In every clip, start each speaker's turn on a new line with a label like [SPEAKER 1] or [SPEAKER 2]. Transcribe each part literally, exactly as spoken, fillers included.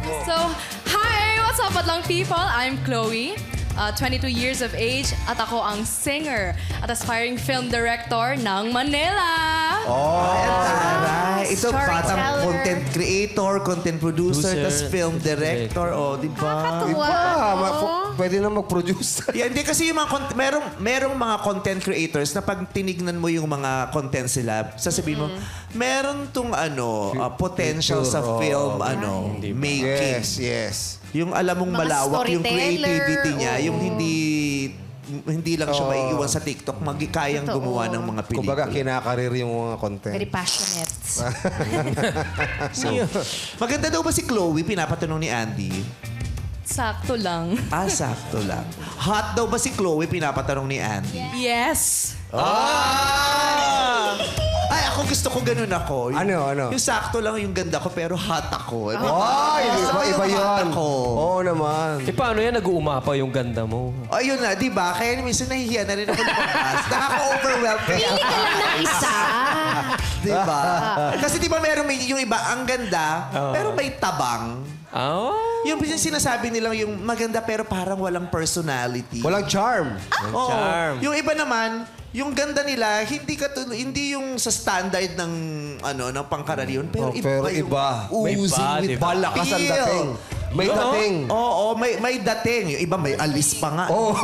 [SPEAKER 1] So, hi! What's up, Adlang people? I'm Chloe, uh, twenty-two years of age, at ako ang singer at aspiring film director ng Manila.
[SPEAKER 2] Oh, taray. Ito, batang
[SPEAKER 3] Storyteller.
[SPEAKER 2] content creator, content producer,
[SPEAKER 4] Producer,
[SPEAKER 2] tas film director. Oh, di ba?
[SPEAKER 3] Nakakatuwa.
[SPEAKER 5] Ah,
[SPEAKER 3] Oo.
[SPEAKER 5] ma- pu- pwede na mag-produce.
[SPEAKER 2] Yeah, hindi kasi yung mga cont- merong merong mga content creators na pag tinignan mo yung mga content sila, sasabihin mo, meron tong ano, uh, potential sa
[SPEAKER 5] Future,
[SPEAKER 2] film
[SPEAKER 5] oh.
[SPEAKER 2] ano, making.
[SPEAKER 5] Yes, yes.
[SPEAKER 2] Yung alam mong
[SPEAKER 3] Mga
[SPEAKER 2] malawak yung
[SPEAKER 3] storyteller,
[SPEAKER 2] creativity niya,
[SPEAKER 3] oo.
[SPEAKER 2] yung hindi hindi lang siya
[SPEAKER 5] Oo.
[SPEAKER 2] maiiwan sa TikTok, magi kayang
[SPEAKER 3] Totoo.
[SPEAKER 2] gumawa ng mga pelikula.
[SPEAKER 5] Kumbaga, kinakarir yung mga content.
[SPEAKER 3] Very passionate.
[SPEAKER 2] So, maganda daw ba si Chloe? Pinapatanong ni Andy.
[SPEAKER 1] Sakto lang.
[SPEAKER 2] Ah, sakto lang. Hot daw ba si Chloe? Pinapatanong ni Andy.
[SPEAKER 1] Yes!
[SPEAKER 2] Ah! Ay, ako gusto ko ganun ako. Yung,
[SPEAKER 5] Ano, ano?
[SPEAKER 2] Yung sakto lang yung ganda ko, pero hot ako.
[SPEAKER 5] Ay,
[SPEAKER 2] Gusto ko
[SPEAKER 5] iba,
[SPEAKER 2] yung
[SPEAKER 5] iba
[SPEAKER 2] hot
[SPEAKER 5] yun.
[SPEAKER 2] ako.
[SPEAKER 5] Oo naman.
[SPEAKER 4] Eh, paano yan? Nag-uumapa yung ganda mo.
[SPEAKER 2] Ayun na, di ba? Kaya minsan nahihiya na rin ako lumabas. Nakaka-overwhelm kaya.
[SPEAKER 3] Pili ka lang ng isa.
[SPEAKER 2] Di ba? Kasi di ba meron may, yung iba, ang ganda, pero may tabang.
[SPEAKER 4] Oh.
[SPEAKER 2] Yung sinasabi nilang yung maganda pero parang walang personality.
[SPEAKER 5] Walang charm.
[SPEAKER 2] Oo.
[SPEAKER 4] charm.
[SPEAKER 2] Yung iba naman, yung ganda nila, hindi katul hindi yung sa standard ng ano ng pangkaraniwan, pero
[SPEAKER 5] Oh,
[SPEAKER 2] iba
[SPEAKER 5] pero
[SPEAKER 2] yung
[SPEAKER 5] iba.
[SPEAKER 4] May
[SPEAKER 2] oozing
[SPEAKER 4] iba,
[SPEAKER 2] with
[SPEAKER 4] di ba?
[SPEAKER 5] Malakas ang
[SPEAKER 2] feel.
[SPEAKER 5] dating. May
[SPEAKER 4] Oo.
[SPEAKER 5] dating.
[SPEAKER 2] Oo, may may dating. Yung iba may alis pa nga.
[SPEAKER 5] Oh.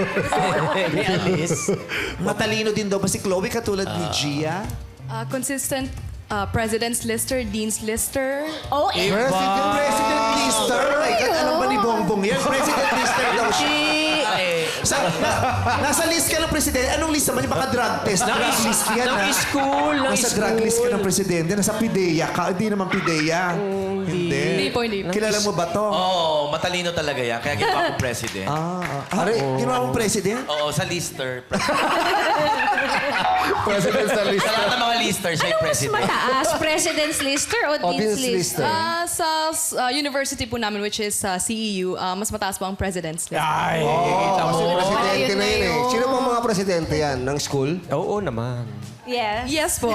[SPEAKER 4] May alis.
[SPEAKER 2] Matalino din daw ba si Chloe katulad ni Gia?
[SPEAKER 1] Uh, consistent uh, President's Lister, Dean's Lister.
[SPEAKER 3] Oh, eh.
[SPEAKER 2] President, President Lister. Oh my God, alam ba ni Bongbong yan? President Lister daw siya. Sa, na, nasa list ka ng presidente. Anong list naman? Yung baka drug test.
[SPEAKER 4] Ng
[SPEAKER 2] Drug
[SPEAKER 4] is-
[SPEAKER 2] list yan,
[SPEAKER 4] ng
[SPEAKER 2] ha?
[SPEAKER 4] school, ng
[SPEAKER 2] Nasa
[SPEAKER 4] school.
[SPEAKER 2] drug list ka ng presidente. Nasa PIDEA ka. Hindi naman PIDEA. hindi.
[SPEAKER 1] Hindi po, hindi po.
[SPEAKER 2] Kilala mo ba to?
[SPEAKER 6] Oo, matalino talaga yan. Kaya ginawa akong president.
[SPEAKER 2] Ah, ah, Are, ginawa mong president?
[SPEAKER 6] Oo, sa lister.
[SPEAKER 5] President sa list.
[SPEAKER 6] Sa lahat ng mga lister, siya yung
[SPEAKER 3] Mas
[SPEAKER 6] president.
[SPEAKER 3] mataas, President's Lister o
[SPEAKER 5] O,
[SPEAKER 3] Dean's
[SPEAKER 5] Dean's
[SPEAKER 3] Lister?
[SPEAKER 5] Lister.
[SPEAKER 1] Uh, sa uh, university po namin, which is uh, C E U, uh, mas mataas po ang President's Lister.
[SPEAKER 4] Ay,
[SPEAKER 5] Kasi presidente
[SPEAKER 3] Ayun
[SPEAKER 5] na
[SPEAKER 3] na
[SPEAKER 5] yun eh.
[SPEAKER 3] yun.
[SPEAKER 5] Sino pang mga presidente yan? Ng school?
[SPEAKER 4] oo naman.
[SPEAKER 3] Yes.
[SPEAKER 1] Yes po.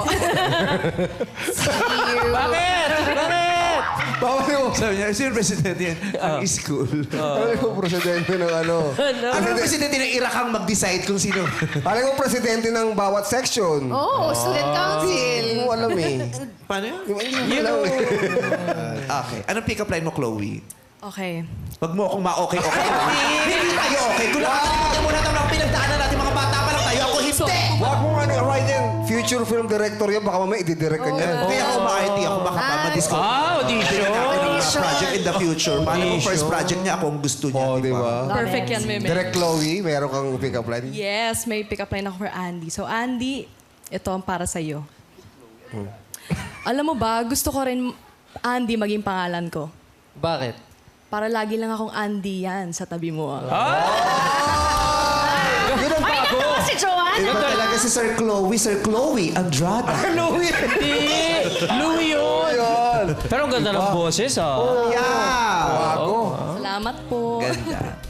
[SPEAKER 4] Bakit? Bakit?
[SPEAKER 5] Bawal yung...
[SPEAKER 2] Sabi niya, sino yung presidente yan? Ang school.
[SPEAKER 5] Ano yung presidente ng ano?
[SPEAKER 2] Ano yung presidente ng Irakang mag-decide kung sino?
[SPEAKER 5] Alam yung presidente ng bawat section.
[SPEAKER 3] Oh, student council.
[SPEAKER 5] Hindi mo alam eh.
[SPEAKER 2] Paano yun?
[SPEAKER 5] Yung hindi mo alam eh.
[SPEAKER 2] Okay. Anong pick-up line mo, Chloe?
[SPEAKER 1] Okay.
[SPEAKER 2] Wag mo akong ma-okay-okay. Hindi tayo okay. Kung nakakita mo na ito mga pinagdaanan natin, mga bata pa lang tayo. Ako hindi!
[SPEAKER 5] Wag mo nga right yan. Future film director yan. Baka mamaya i-direct ka niyan.
[SPEAKER 2] Kaya ako ma-I T ako. Baka pa ma-discover.
[SPEAKER 4] Ah, audition.
[SPEAKER 2] Mga project in the future. Paano kung first project niya ako ang gusto niya,
[SPEAKER 5] Oh,
[SPEAKER 2] di
[SPEAKER 5] di
[SPEAKER 2] ba?
[SPEAKER 5] ba?
[SPEAKER 1] Perfect yan, Meme.
[SPEAKER 5] Direct Chloe, meron kang pick-up line?
[SPEAKER 1] Yes, may pick-up line ako for Andy. So, Andy, ito ang para sa'yo. Alam mo ba, gusto ko rin Andy maging pangalan ko.
[SPEAKER 4] Bakit?
[SPEAKER 1] Para lagi lang akong Andy yan sa tabi mo.
[SPEAKER 5] Yun ang
[SPEAKER 3] Ay,
[SPEAKER 5] bago.
[SPEAKER 3] natawa si Joanne.
[SPEAKER 2] Iba talaga si Sir Chloe. Sir Chloe Andrada.
[SPEAKER 5] Chloe!
[SPEAKER 4] Hindi! Louie yun!
[SPEAKER 5] Yun.
[SPEAKER 4] Pero ang ganda ng boses, ah.
[SPEAKER 2] Yeah.
[SPEAKER 5] Bago.
[SPEAKER 1] Salamat po.
[SPEAKER 2] Ganda.